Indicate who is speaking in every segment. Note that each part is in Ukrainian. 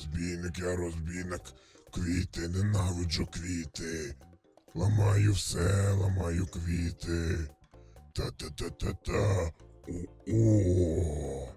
Speaker 1: я розбійник. Квіти, ненавиджу квіти. Ламаю все, ламаю квіти. Та-та-та-та-та. О,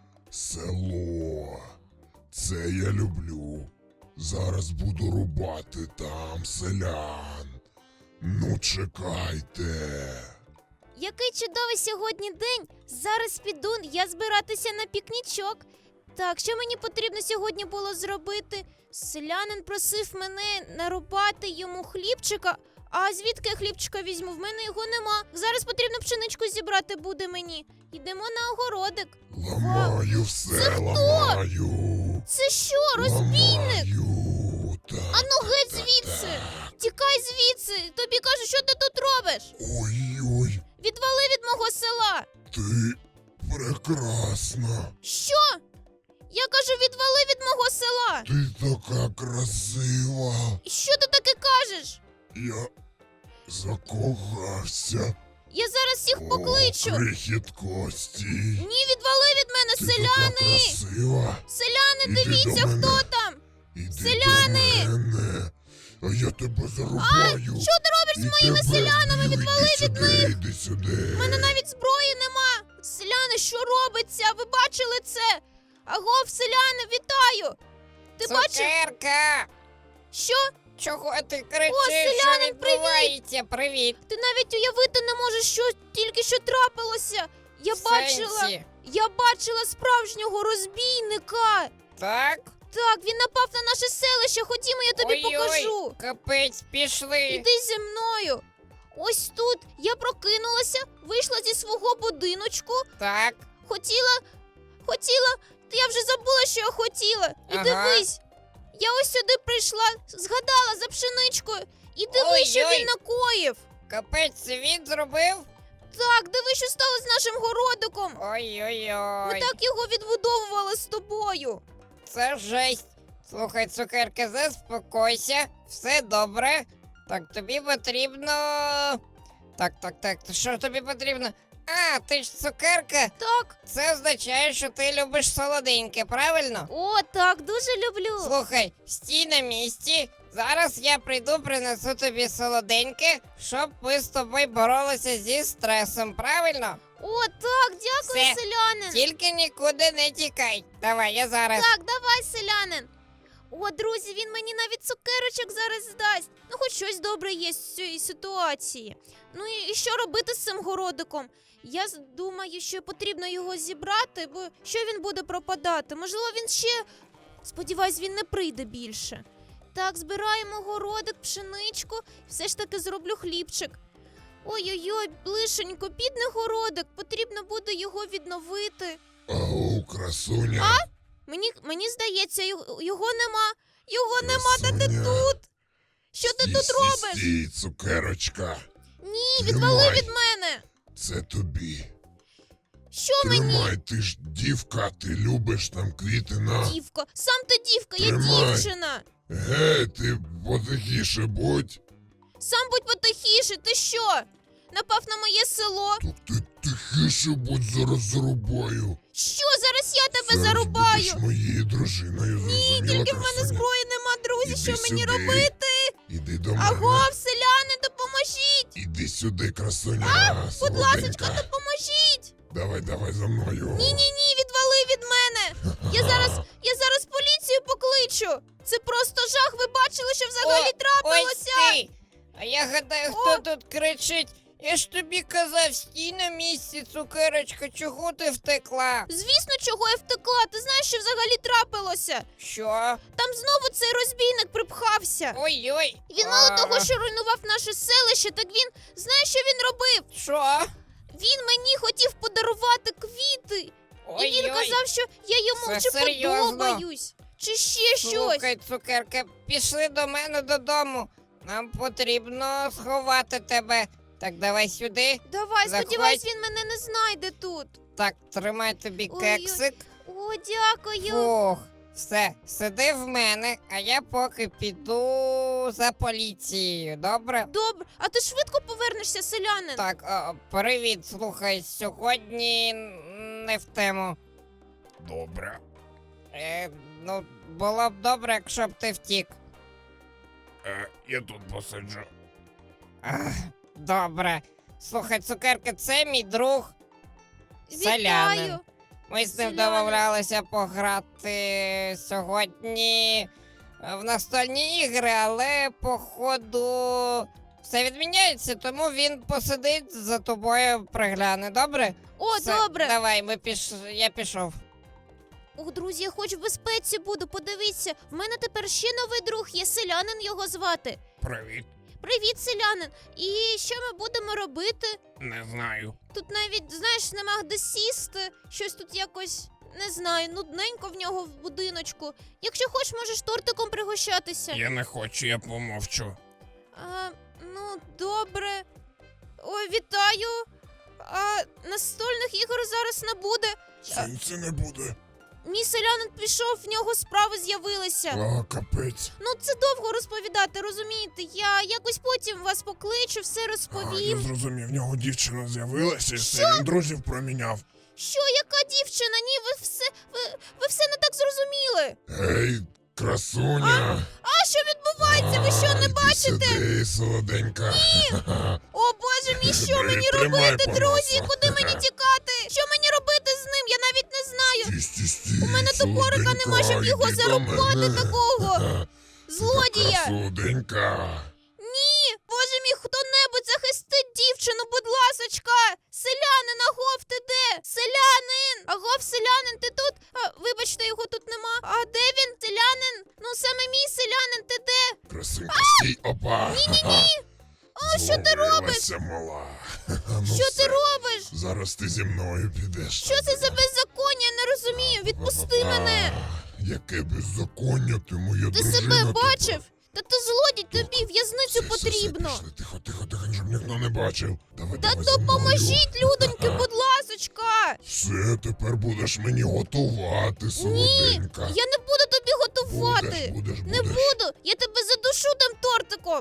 Speaker 1: село. Це я люблю. Зараз буду рубати там селян. Ну, чекайте.
Speaker 2: Який чудовий сьогодні день. Зараз піду я збиратися на пікнічок. Так, що мені потрібно сьогодні було зробити? Селянин просив мене нарубати йому хлібчика. А звідки я хлібчика візьму? В мене його нема. Зараз потрібно пшеничку зібрати буде мені. Йдемо на огородик.
Speaker 1: Ламаю все, ламаю.
Speaker 2: Це що, розбійник?
Speaker 1: Ламаю.
Speaker 2: Ану геть звідси! Тікай звідси! Тобі кажу, що ти тут робиш?
Speaker 1: Ой-ой,
Speaker 2: Відвали від мого села!
Speaker 1: ти прекрасна.
Speaker 2: Що? Я кажу, відвали від мого села!
Speaker 1: Ти така красива.
Speaker 2: Що ти таке кажеш?
Speaker 1: Я закохався.
Speaker 2: Я зараз всіх покличу!
Speaker 1: О, крихіт Кості.
Speaker 2: Ні, відвали від мене,
Speaker 1: Ти
Speaker 2: селяни!
Speaker 1: така красива.
Speaker 2: Селяни,
Speaker 1: Іди
Speaker 2: дивіться,
Speaker 1: до мене.
Speaker 2: хто там!
Speaker 1: Іди
Speaker 2: Селяни!
Speaker 1: до мене. А я тебе зарубаю.
Speaker 2: Що ти робиш з моїми селянами? Відвали від них!
Speaker 1: Іди сюди.
Speaker 2: У мене навіть зброї нема! Селяни, що робиться? Ви бачили це? Агов, селяни, вітаю! Ти бачив?
Speaker 3: Цукерка!
Speaker 2: Що?
Speaker 3: Чого ти кричиш?
Speaker 2: О, селянин,
Speaker 3: що відбувається? Привіт!
Speaker 2: Ти навіть уявити не можеш, що тільки що трапилося.
Speaker 3: В сенсі?
Speaker 2: Я бачила справжнього розбійника.
Speaker 3: Так?
Speaker 2: Так, він напав на наше селище. Ходімо, я тобі покажу.
Speaker 3: Капець, пішли.
Speaker 2: Іди зі мною. Ось тут я прокинулася, вийшла зі свого будиночку.
Speaker 3: Так.
Speaker 2: Хотіла, я вже забула, що я хотіла. І
Speaker 3: Ага.
Speaker 2: дивись, я ось сюди прийшла, згадала за пшеничкою. І дивись, що
Speaker 3: Ой-ой.
Speaker 2: він накоїв.
Speaker 3: Капець, це він зробив?
Speaker 2: Так, дивись, що стало з нашим городиком. Ми
Speaker 3: Ой-ой-ой.
Speaker 2: так його відбудовували з тобою.
Speaker 3: Це жесть. Слухай, цукерка, заспокойся. Все добре. Так, тобі потрібно... Так, що тобі потрібно? А, ти ж цукерка.
Speaker 2: Так.
Speaker 3: Це означає, що ти любиш солоденьке, правильно?
Speaker 2: О, так, дуже люблю.
Speaker 3: Слухай, стій на місці. Зараз я прийду, принесу тобі солоденьке, щоб ми з тобою боролися зі стресом, правильно?
Speaker 2: О, так, дякую,
Speaker 3: Все.
Speaker 2: селянин.
Speaker 3: Тільки нікуди не тікай. Давай, я зараз.
Speaker 2: Так, давай, селянин. О, друзі, він мені навіть цукерочок зараз здасть. Ну, хоч щось добре є з цієї ситуації. Ну і що робити з цим городиком? Я думаю, що потрібно його зібрати, бо що він буде пропадати? Можливо, він ще... Сподіваюсь, він не прийде більше. Так, збираємо городик, пшеничку, все ж таки зроблю хлібчик. Ой-ой-ой, блишенько, бідний городик, потрібно буде його відновити.
Speaker 1: Ау, красуня.
Speaker 2: Мені здається, його нема. Його нема, та ти
Speaker 1: Красуня.
Speaker 2: тут. Що ти тут робиш?
Speaker 1: Стій, цукерочка.
Speaker 2: Ні, відвали
Speaker 1: Тримай.
Speaker 2: від мене.
Speaker 1: Це тобі.
Speaker 2: Що мені?
Speaker 1: Тримай, ти ж дівка, ти любиш там квіти на...
Speaker 2: Дівка, сам ти дівка, я
Speaker 1: Тримай.
Speaker 2: дівчина.
Speaker 1: Гей, ти потихіше будь.
Speaker 2: Сам будь потихіше, ти що? Напав на моє село.
Speaker 1: Так ти тихіше будь, зараз зарубаю.
Speaker 2: Що, зараз я тебе
Speaker 1: Зараз
Speaker 2: зарубаю?
Speaker 1: будеш моєю дружиною,
Speaker 2: Ні,
Speaker 1: зрозуміла,
Speaker 2: тільки в мене
Speaker 1: красуня?
Speaker 2: зброї нема, друзі,
Speaker 1: Іди
Speaker 2: що мені
Speaker 1: сюди.
Speaker 2: робити?
Speaker 1: Іди до мене.
Speaker 2: Агов, селяни, допоможіть!
Speaker 1: Іди сюди, красуня.
Speaker 2: Будь ласочка,
Speaker 1: солоденька.
Speaker 2: допоможіть!
Speaker 1: Давай за мною.
Speaker 2: Ні, відвали від мене! Я зараз поліцію покличу! Це просто жах, ви бачили, що взагалі
Speaker 3: Ось
Speaker 2: трапилося!
Speaker 3: ти. А я гадаю, хто тут кричить? Я ж тобі казав, стій на місці, цукерочка, чого ти втекла?
Speaker 2: Звісно, чого я втекла, ти знаєш, що взагалі трапилося?
Speaker 3: Що?
Speaker 2: Там знову цей розбійник припхався.
Speaker 3: Ой-ой.
Speaker 2: Він мало того, що руйнував наше селище, так він, знаєш, що він робив?
Speaker 3: Що?
Speaker 2: Він мені хотів подарувати квіти. І він казав, що я йому
Speaker 3: Це
Speaker 2: чи
Speaker 3: серйозно?
Speaker 2: подобаюсь, чи ще щось.
Speaker 3: Слухай, цукерка, пішли до мене додому. Нам потрібно сховати тебе. Так, давай сюди.
Speaker 2: Давай,
Speaker 3: Заходь.
Speaker 2: сподіваюсь, він мене не знайде тут.
Speaker 3: Так, тримай тобі
Speaker 2: Ой-ой.
Speaker 3: кексик.
Speaker 2: О, дякую.
Speaker 3: Фух, все, сиди в мене, а я поки піду за поліцією, добре?
Speaker 2: Добре, а ти швидко повернешся, селянин?
Speaker 3: Так, привіт, слухай, сьогодні не в тему.
Speaker 1: Добре.
Speaker 3: Ну, було б добре, якщо б ти втік.
Speaker 1: Я тут посиджу.
Speaker 3: Ах, добре. Слухай, цукерка, це мій друг. Селянин.
Speaker 2: Вітаю!
Speaker 3: Ми з ним
Speaker 2: Селянин.
Speaker 3: домовлялися пограти сьогодні в настольні ігри, але походу все відміняється, тому він посидить за тобою, пригляне, добре?
Speaker 2: О,
Speaker 3: Все,
Speaker 2: добре!
Speaker 3: Давай, я пішов.
Speaker 2: О, друзі, я хоч в безпеці буду, подивіться. В мене тепер ще новий друг є, селянин його звати.
Speaker 1: Привіт.
Speaker 2: Привіт, селянин! І що ми будемо робити?
Speaker 1: Не знаю.
Speaker 2: Тут навіть, знаєш, нема де сісти. Щось тут якось, не знаю, нудненько в нього в будиночку. Якщо хочеш, можеш тортиком пригощатися.
Speaker 1: Я не хочу, я помовчу.
Speaker 2: Ну, добре. Ой, вітаю. А настольних ігор зараз не буде.
Speaker 1: Сенсі не буде.
Speaker 2: Мій селянин пішов, в нього справи з'явилися.
Speaker 1: Капець.
Speaker 2: Ну, це довго розповідати, розумієте? Я якось потім вас покличу, все розповім.
Speaker 1: зрозумів, в нього дівчина з'явилася, і він друзів проміняв.
Speaker 2: Що, яка дівчина? Ні, ви все не так зрозуміли.
Speaker 1: Ей, красуня.
Speaker 2: А що відбувається? Ви що, не бачите?
Speaker 1: Сюди, солоденька.
Speaker 2: О, боже мій, що
Speaker 1: Бери,
Speaker 2: мені
Speaker 1: тримай
Speaker 2: робити,
Speaker 1: по
Speaker 2: друзі?
Speaker 1: носу.
Speaker 2: Куди мені тікати? Що мені робити з ним? Я навіть не знаю. У мене топорика нема, щоб його зарубати такого злодія.
Speaker 1: Солоденька.
Speaker 2: Ні, боже мій, хто-небудь захистить дівчину, будь ласочка. Селянин, агов, ти де? Селянин! Агов, селянин, ти тут? Вибачте, його тут нема. А де він? Селянин? Ну, саме мій селянин, ти де?
Speaker 1: Красунька, стій, опа.
Speaker 2: Ні-ні-ні. О, що ти робиш?
Speaker 1: Зловилася, мала.
Speaker 2: Що ти робиш?
Speaker 1: Зараз ти зі мною підеш.
Speaker 2: Що це за беззаконня? Я не розумію. Відпусти мене.
Speaker 1: Яке беззаконня, ти моя
Speaker 2: Ти
Speaker 1: дружина.
Speaker 2: себе
Speaker 1: тепер.
Speaker 2: бачив? Та ти злодій, тобі в'язницю
Speaker 1: Все,
Speaker 2: потрібно.
Speaker 1: пішли. Тихо, тихо, тихо, щоб ніхто не бачив. Давай,
Speaker 2: Та
Speaker 1: давай за мною.
Speaker 2: допоможіть, людоньки, будь ласочка.
Speaker 1: Все, тепер будеш мені готувати, солоденька.
Speaker 2: Я не буду тобі готувати.
Speaker 1: Будеш.
Speaker 2: Не буду. Я тебе задушу тим тортиком.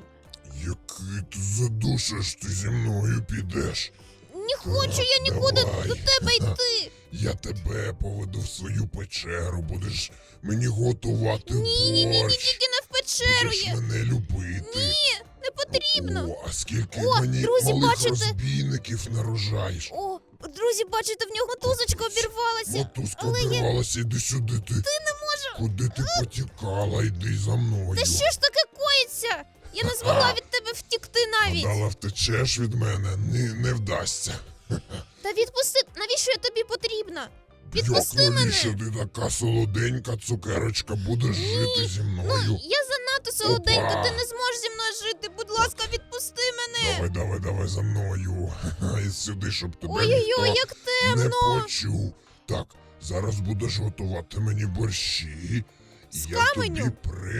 Speaker 1: Який ти задушиш, ти зі мною підеш.
Speaker 2: Не хочу я нікуди
Speaker 1: давай.
Speaker 2: до тебе йти.
Speaker 1: Я тебе поведу в свою печеру, будеш мені готувати
Speaker 2: Ні,
Speaker 1: борщ.
Speaker 2: тільки не в печеру
Speaker 1: Будеш
Speaker 2: є.
Speaker 1: мене любити.
Speaker 2: Не потрібно.
Speaker 1: О, а скільки
Speaker 2: О,
Speaker 1: мені
Speaker 2: друзі,
Speaker 1: малих
Speaker 2: бачите?
Speaker 1: розбійників нарожаєш.
Speaker 2: О, друзі, бачите, в нього тузочка обірвалася.
Speaker 1: Мотузка
Speaker 2: але я-
Speaker 1: обірвалася, іди сюди ти.
Speaker 2: Ти не можу.
Speaker 1: Куди ти потікала, йди за мною.
Speaker 2: Та що ж таке коїться? Я не змогла від тебе втікти навіть.
Speaker 1: Гадала, втечеш від мене, не вдасться.
Speaker 2: Та відпусти, навіщо я тобі потрібна? Відпусти
Speaker 1: Як
Speaker 2: мене.
Speaker 1: навіщо ти така солоденька цукерочка, будеш жити зі мною?
Speaker 2: Ну, я занадто солоденька,
Speaker 1: Опа.
Speaker 2: ти не зможеш зі мною жити. Будь ласка, відпусти мене.
Speaker 1: Давай за мною. І сюди, щоб тебе
Speaker 2: Ой-ой-ой,
Speaker 1: ніхто
Speaker 2: як
Speaker 1: не
Speaker 2: темно.
Speaker 1: почув. Так, зараз будеш готувати мені борщі. І
Speaker 2: З
Speaker 1: я
Speaker 2: каменю?
Speaker 1: тобі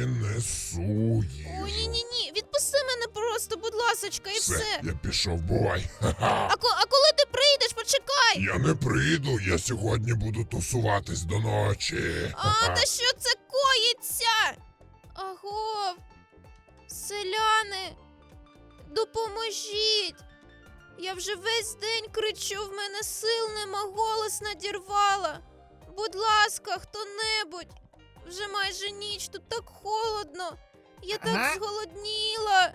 Speaker 1: принесу їжу.
Speaker 2: Ой, ні. Відпусти мене просто, будь ласочка, і все.
Speaker 1: Я пішов, бувай.
Speaker 2: А коли ти прийдеш, почекай.
Speaker 1: Я не прийду, я сьогодні буду тусуватись до ночі.
Speaker 2: Та що це коїться? Агов, селяни, допоможіть. Я вже весь день кричу, в мене сил нема, голос надірвала. Будь ласка, хто-небудь. Вже майже ніч, тут так холодно. Я
Speaker 3: Ага.
Speaker 2: так зголодніла.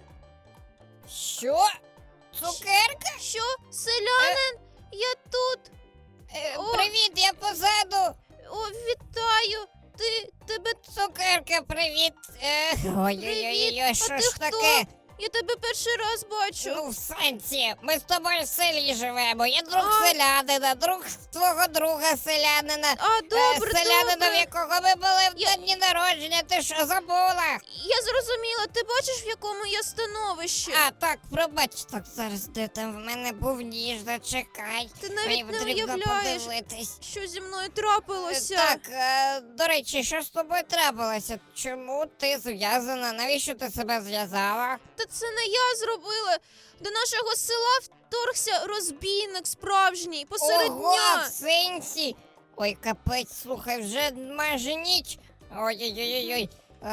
Speaker 3: Що? Цукерка?
Speaker 2: Що, селянин? Я тут. О.
Speaker 3: Привіт, я позаду.
Speaker 2: О, вітаю. Тебе
Speaker 3: Цукерка, привіт. Ой-ой-ой, що
Speaker 2: ти
Speaker 3: ж
Speaker 2: хто?
Speaker 3: таке?
Speaker 2: Я тебе перший раз бачу.
Speaker 3: Ну, в сенсі, ми з тобою в селі живемо. Я друг
Speaker 2: А.
Speaker 3: селянина, друг твого друга селянина.
Speaker 2: Добре,
Speaker 3: Селянина, в
Speaker 2: добре.
Speaker 3: якого ми були в
Speaker 2: Я-
Speaker 3: дні народження, ти що, забула?
Speaker 2: Я зрозуміла, ти бачиш, в якому я становищі?
Speaker 3: А, так, пробач, так зараз де там в мене був ніж, зачекай.
Speaker 2: Ти
Speaker 3: Мені
Speaker 2: навіть не
Speaker 3: потрібно
Speaker 2: уявляєш,
Speaker 3: подивитись.
Speaker 2: що зі мною трапилося.
Speaker 3: Так, до речі, що з тобою трапилося? Чому ти зв'язана? Навіщо ти себе зв'язала?
Speaker 2: Та це не я зробила. До нашого села вторгся розбійник справжній посеред
Speaker 3: Ого,
Speaker 2: дня.
Speaker 3: в сенсі. Ой, капець, слухай, вже майже ніч. Ой-ой-ой-ой.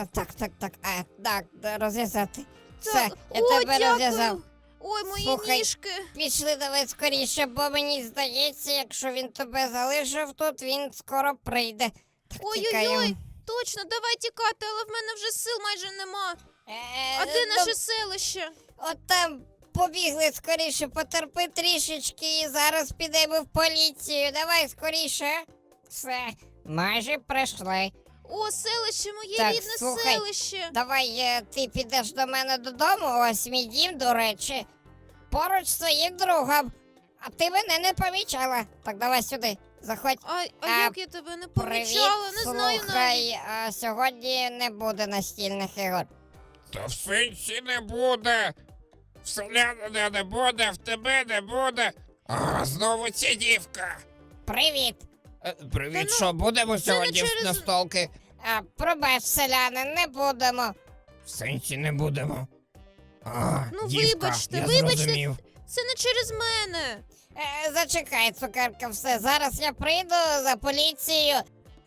Speaker 3: Так, розв'язати. Все,
Speaker 2: Так,
Speaker 3: я
Speaker 2: о,
Speaker 3: тебе
Speaker 2: дякую.
Speaker 3: розв'язав.
Speaker 2: Ой, мої
Speaker 3: Слухай,
Speaker 2: ніжки.
Speaker 3: Пішли давай скоріше, бо мені здається, якщо він тебе залишив тут, він скоро прийде.
Speaker 2: Ой-ой-ой,
Speaker 3: Тікаємо.
Speaker 2: точно, давай тікати, але в мене вже сил майже нема. А де
Speaker 3: ну,
Speaker 2: наше селище?
Speaker 3: От там побігли скоріше, потерпи трішечки і зараз підемо в поліцію. Давай скоріше. Все, майже прийшли.
Speaker 2: О, селище, моє
Speaker 3: Так,
Speaker 2: рідне
Speaker 3: слухай.
Speaker 2: селище.
Speaker 3: Давай ти підеш до мене додому, ось мій дім, до речі. Поруч з своїм другом. А ти мене не помічала. Так, давай сюди, заходь.
Speaker 2: А
Speaker 3: А,
Speaker 2: як я тебе не
Speaker 3: Привіт,
Speaker 2: помічала, не знаю навіть.
Speaker 3: слухай, сьогодні не буде настільних ігор.
Speaker 4: Та в сенсі не буде. В селянина не буде, в тебе не буде. А, знову ця дівка.
Speaker 3: Привіт.
Speaker 4: Привіт,
Speaker 2: Та ну,
Speaker 4: що будемо
Speaker 2: це не
Speaker 4: сьогодні
Speaker 2: через-
Speaker 4: на столки?
Speaker 3: Пробач, селяни, не будемо.
Speaker 4: В сенсі не будемо. А,
Speaker 2: Ну,
Speaker 4: дівка,
Speaker 2: вибачте,
Speaker 4: я
Speaker 2: вибачте.
Speaker 4: зрозумів.
Speaker 2: Це не через мене.
Speaker 3: Зачекай, цукерка, все. Зараз я прийду за поліцією.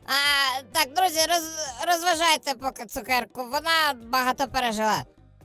Speaker 3: Так, друзі, розважайте поки цукерку. Вона багато пережила.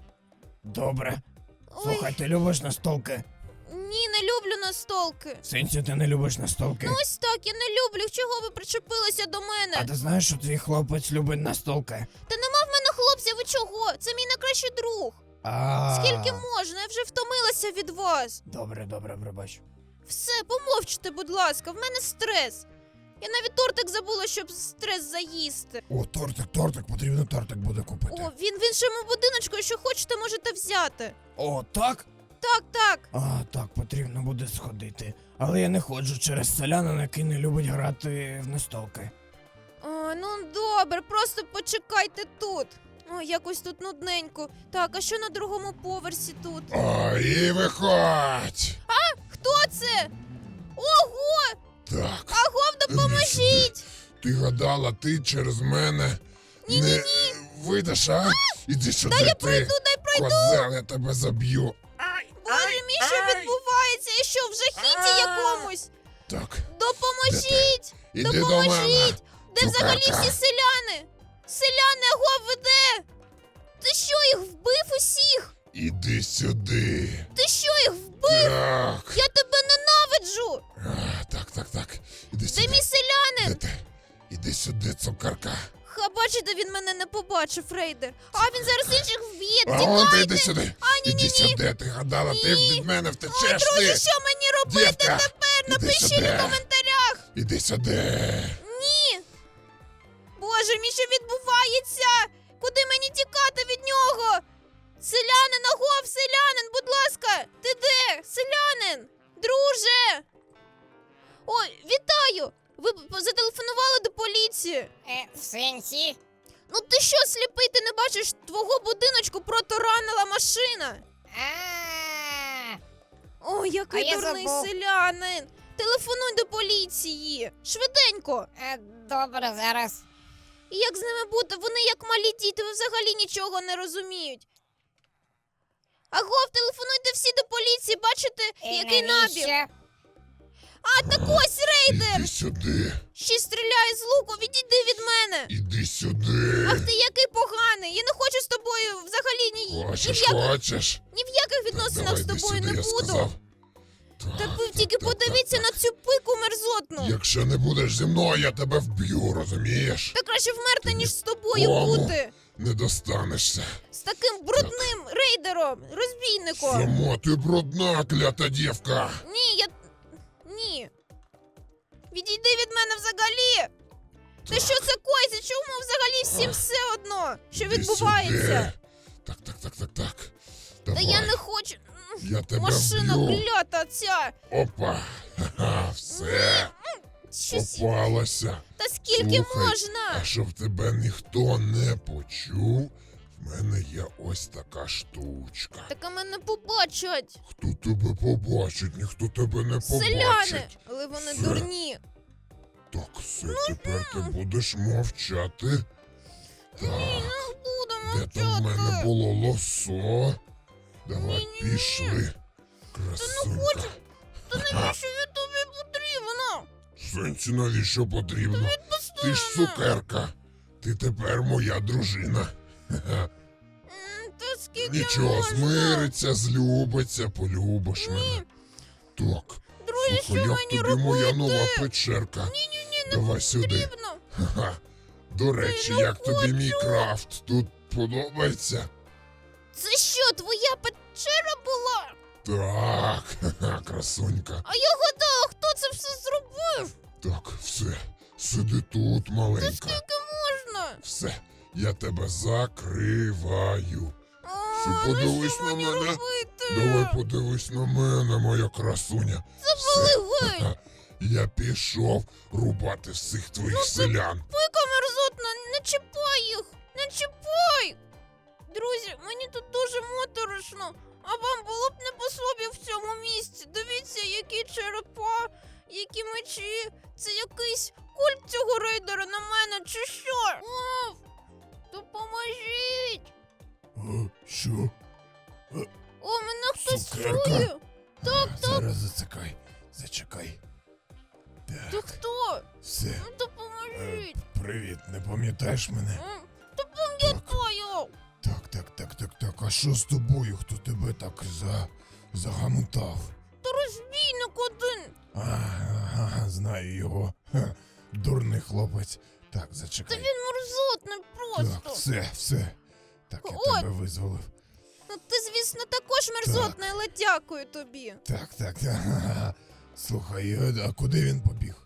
Speaker 4: Добре.
Speaker 2: Ой,
Speaker 4: Слухай, ти любиш настолки?
Speaker 2: ні, не люблю настолки.
Speaker 4: В сенсі ти не любиш настолки?
Speaker 2: Ну ось так, я не люблю. Чого ви причепилися до мене?
Speaker 4: А ти знаєш, що твій хлопець любить настолки?
Speaker 2: Та нема в мене хлопця, ви чого? Це мій найкращий друг. Скільки можна? Я вже втомилася від вас.
Speaker 4: Добре, пробач.
Speaker 2: Все, помовчте, будь ласка, в мене стрес. Я навіть тортик забула, щоб стрес заїсти.
Speaker 1: О, тортик, потрібно тортик буде купити.
Speaker 2: О, він в іншому будиночку, якщо хочете, можете взяти.
Speaker 4: О, так?
Speaker 2: Так.
Speaker 4: Так, потрібно буде сходити. Але я не ходжу через селянина, який не любить грати в настолки.
Speaker 2: О, ну добре, просто почекайте тут. О, якось тут нудненько. Так, а що на другому поверсі тут?
Speaker 1: І виходь!
Speaker 2: Хто це? Ого!
Speaker 1: Так,
Speaker 2: Агов, допоможіть!
Speaker 1: ти гадала, ти через мене не вийдеш, а? Іди сюди,
Speaker 2: Я
Speaker 1: ти,
Speaker 2: пройду,
Speaker 1: козел, я тебе заб'ю.
Speaker 2: Боже мій, що відбувається? Я що, в жахіті якомусь?
Speaker 1: Так,
Speaker 2: Допоможіть!
Speaker 1: іди до мене.
Speaker 2: Допоможіть! Де взагалі
Speaker 1: Цукерка.
Speaker 2: всі селяни? Селяни, Агов, ви де? Ти що, їх вбив усіх?
Speaker 1: Іди сюди.
Speaker 2: Ти що, їх вбив?
Speaker 1: Так.
Speaker 2: Я тебе ненавиджу!
Speaker 1: Так. Іди
Speaker 2: Де
Speaker 1: сюди.
Speaker 2: мій селянин?
Speaker 1: Де ти? Іди сюди, цукерка.
Speaker 2: Бачите, він мене не побачив, рейдер. А він зараз інших вб'є,
Speaker 1: А он ти
Speaker 2: тікайте!
Speaker 1: іди сюди. Іди сюди, ти гадала, ти
Speaker 2: Ні.
Speaker 1: від мене
Speaker 2: Ой,
Speaker 1: втечеш
Speaker 2: друзі,
Speaker 1: ти.
Speaker 2: що мені робити
Speaker 1: Дівка,
Speaker 2: тепер?
Speaker 1: іди
Speaker 2: Напишіть
Speaker 1: сюди.
Speaker 2: у коментарях!
Speaker 1: Іди сюди.
Speaker 2: Ні! Боже мій, що відбувається? Куди мені тікати від нього? Селянин, Агов, селянин, будь ласка! Ти де? Селянин! Друже! Ой, вітаю! Ви зателефонували до поліції.
Speaker 3: В сенсі?
Speaker 2: Ну ти що, сліпий, ти не бачиш, твого будиночку протаранила машина?
Speaker 3: А,
Speaker 2: Ой, який
Speaker 3: А я
Speaker 2: дурний
Speaker 3: забув.
Speaker 2: селянин! Телефонуй до поліції! Швиденько!
Speaker 3: Добре, зараз.
Speaker 2: І як з ними бути? Вони як малі діти, ви взагалі нічого не розуміють. Агов, телефонуйте всі до поліції, бачите, який набір?
Speaker 3: Навіщо?
Speaker 2: А, так ось рейдер!
Speaker 1: Іди сюди.
Speaker 2: Ще стріляє з луку, відійди від мене!
Speaker 1: Іди сюди.
Speaker 2: Ах ти який поганий! Я не хочу з тобою взагалі
Speaker 1: Хочеш?
Speaker 2: ні в яких відносинах
Speaker 1: Давай,
Speaker 2: з
Speaker 1: іди
Speaker 2: тобою
Speaker 1: сюди,
Speaker 2: не
Speaker 1: я
Speaker 2: буду.
Speaker 1: сказав.
Speaker 2: Та ви тільки подивіться на цю пику мерзотну.
Speaker 1: Якщо не будеш зі мною, я тебе вб'ю, розумієш?
Speaker 2: Та краще вмерти,
Speaker 1: Ти
Speaker 2: ніж з тобою
Speaker 1: нікому
Speaker 2: бути.
Speaker 1: Не достанешся.
Speaker 2: З таким брудним рейдером, розбійником.
Speaker 1: Само ти брудна, клята дівка.
Speaker 2: Ні. Відійди від мене взагалі. Та що це коїться? Чому взагалі всім все одно, що
Speaker 1: Іди
Speaker 2: відбувається?
Speaker 1: сюди. Так.
Speaker 2: Та
Speaker 1: Давай,
Speaker 2: я не хочу.
Speaker 1: я тебе
Speaker 2: Машина
Speaker 1: вб'ю.
Speaker 2: клята ця.
Speaker 1: Опа. Ха-ха, все.
Speaker 2: Щось.
Speaker 1: Попалася.
Speaker 2: Та скільки
Speaker 1: Слухай,
Speaker 2: можна?
Speaker 1: А щоб тебе ніхто не почув, в мене є ось така штучка.
Speaker 2: Так а мене побачать.
Speaker 1: Хто тебе побачить, ніхто тебе не
Speaker 2: Селяни,
Speaker 1: побачить.
Speaker 2: але вони
Speaker 1: Все.
Speaker 2: дурні.
Speaker 1: Так, все, тепер ти будеш мовчати. Так,
Speaker 2: Будемо
Speaker 1: де там в мене
Speaker 2: вчати.
Speaker 1: було лосо? Давай,
Speaker 2: Ні-ні-ні.
Speaker 1: пішли. Красунька.
Speaker 2: Та навіщо я тобі потрібно?
Speaker 1: Сенсі, навіщо потрібно? Ти ж цукерка. Ти тепер моя дружина. Ха-ха.
Speaker 2: Та скільки
Speaker 1: Нічого,
Speaker 2: можна?
Speaker 1: змириться, злюбиться, полюбиш мене. Так.
Speaker 2: Друзі,
Speaker 1: Слухай,
Speaker 2: що
Speaker 1: як
Speaker 2: мені
Speaker 1: тобі моя
Speaker 2: робити?
Speaker 1: нова печерка?
Speaker 2: Ні,
Speaker 1: Давай сюди.
Speaker 2: потрібно.
Speaker 1: Ха-ха. До речі, як тобі мій крафт? Тут подобається?
Speaker 2: Це що, твоя печера була?
Speaker 1: Так, ха-ха, красунька.
Speaker 2: А я гадала, хто це все зробив?
Speaker 1: Так, все, сиди тут, маленька.
Speaker 2: Скільки можна?
Speaker 1: Все, я тебе закриваю.
Speaker 2: А,
Speaker 1: Ти подивись
Speaker 2: ну
Speaker 1: на
Speaker 2: що мені
Speaker 1: мене.
Speaker 2: робити?
Speaker 1: Давай подивись на мене, моя красуня.
Speaker 2: Завали геть.
Speaker 1: Ха-ха. Я пішов рубати всіх твоїх селян.
Speaker 2: Пика мерзотна, не чіпай їх, не чіпай. Друзі, мені тут дуже моторошно, а вам було б не по собі в цьому місці. Дивіться, які черепа, які мечі. Це якийсь культ цього рейдера на мене, чи що? О, допоможіть.
Speaker 1: Що?
Speaker 2: О, мене хтось
Speaker 1: Цукерка?
Speaker 2: чує. Так,
Speaker 1: Зараз зачекай.
Speaker 2: ти хто?
Speaker 1: Все.
Speaker 2: Ну, допоможіть.
Speaker 1: Привіт, не пам'ятаєш мене?
Speaker 2: Та пам'ятаю.
Speaker 1: Так. А що з тобою? Хто тебе так загамутав?
Speaker 2: Та розбійник один.
Speaker 1: Знаю його. Ха, дурний хлопець. Так,
Speaker 2: Та
Speaker 1: зачекай.
Speaker 2: він мерзотний просто.
Speaker 1: Все. Так, я
Speaker 2: Ой.
Speaker 1: тебе визволив.
Speaker 2: Ну ти, звісно, також мерзотний, але дякую тобі.
Speaker 1: Так. Слухай, а куди він побіг?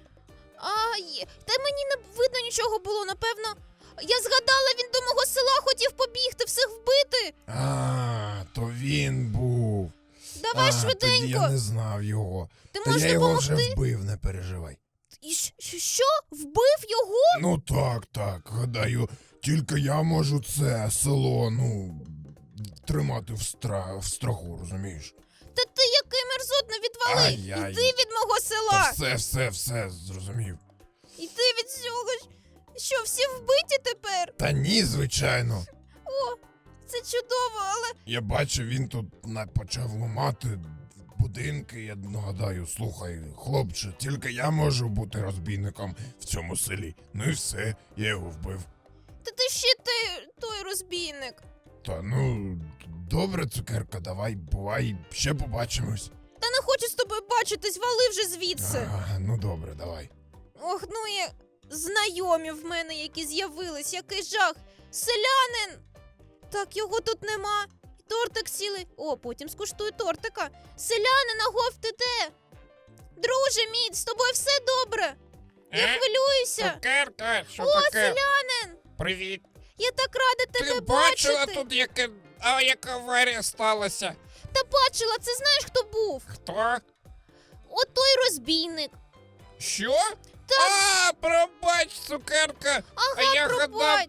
Speaker 2: Та мені не видно нічого було, напевно. Я згадала, він до мого села хотів побігти, всіх вбити.
Speaker 1: То він був.
Speaker 2: Давай
Speaker 1: Тоді я
Speaker 2: швиденько.
Speaker 1: не знав його.
Speaker 2: Ти
Speaker 1: Та
Speaker 2: можеш
Speaker 1: я його
Speaker 2: допомогти?
Speaker 1: вже вбив, не переживай.
Speaker 2: І що? Вбив його?
Speaker 1: Ну так, гадаю, тільки я можу це село, тримати в страху, розумієш?
Speaker 2: Та ти який мерзотний, відвали.
Speaker 1: Ай-яй.
Speaker 2: Іди від мого
Speaker 1: Та
Speaker 2: села.
Speaker 1: все, зрозумів.
Speaker 2: Іди від цього. Що, всі вбиті тепер?
Speaker 1: Та ні, звичайно.
Speaker 2: О, це чудово, але
Speaker 1: Я бачу, він тут почав ламати будинки, я гадаю, слухай, хлопче, тільки я можу бути розбійником в цьому селі. Ну і все, я його вбив.
Speaker 2: та ти ще той розбійник.
Speaker 1: Та добре, цукерка, давай, бувай, ще побачимось.
Speaker 2: Та не хочу з тобою бачитись, вали вже звідси.
Speaker 1: Ну добре, давай.
Speaker 2: Ох, ну і знайомі в мене, які з'явились, який жах. Селянин! Так, його тут нема. Тортик сілий. О, потім скуштую тортика. Селянин, агов, ти де? Друже мій, з тобою все добре? Я хвилююся.
Speaker 4: Цукерка, що
Speaker 2: О,
Speaker 4: таке?
Speaker 2: селянин!
Speaker 4: Привіт.
Speaker 2: Я так рада
Speaker 4: Ти
Speaker 2: тебе
Speaker 4: бачила
Speaker 2: бачити.
Speaker 4: тут, яка аварія сталася?
Speaker 2: Та бачила, це знаєш, хто був?
Speaker 4: Хто?
Speaker 2: От той розбійник.
Speaker 4: Що? Пробач, цукерка.
Speaker 2: Ага,
Speaker 4: я
Speaker 2: пробач.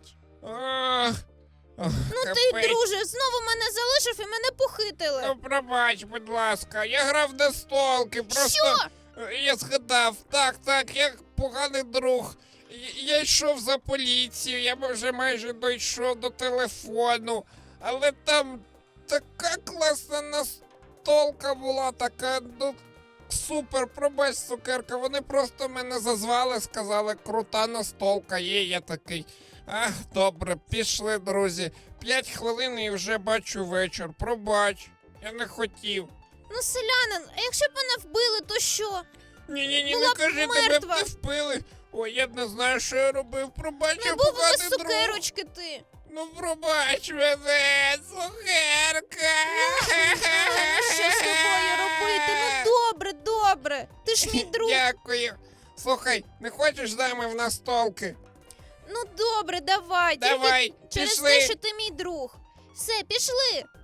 Speaker 4: Ну
Speaker 2: Ти, друже, знову мене залишив і мене похитили.
Speaker 4: Ну, пробач, будь ласка, я грав на столки, просто
Speaker 2: Що?
Speaker 4: я згадав, так, я поганий друг. Я йшов за поліцію, я вже майже дійшов до телефону, але там така класна настолка була, така, супер, пробач, цукерка, вони просто мене зазвали, сказали, крута настолка є, я такий. Добре, пішли, друзі. 5 хвилин і вже бачу вечір. Пробач, я не хотів.
Speaker 2: Ну, селянин, а якщо б мене вбили, то що?
Speaker 4: Ні,
Speaker 2: Була
Speaker 4: не
Speaker 2: б
Speaker 4: кажи, тебе б
Speaker 2: мертва.
Speaker 4: не впили. Ой, я не знаю, що я робив. Пробач,
Speaker 2: Не
Speaker 4: я
Speaker 2: був у
Speaker 4: поганий
Speaker 2: нас
Speaker 4: друг.
Speaker 2: цукерочки ти.
Speaker 4: Ну, пробач мене, цукерка.
Speaker 2: Що з тобою робити? Ну, добре. Ти ж мій друг.
Speaker 4: Дякую. Слухай, не хочеш з нами в настолки?
Speaker 2: Ну, добре, давай.
Speaker 4: Давай,
Speaker 2: Тільки через
Speaker 4: пішли.
Speaker 2: те, що ти мій друг. Все, пішли.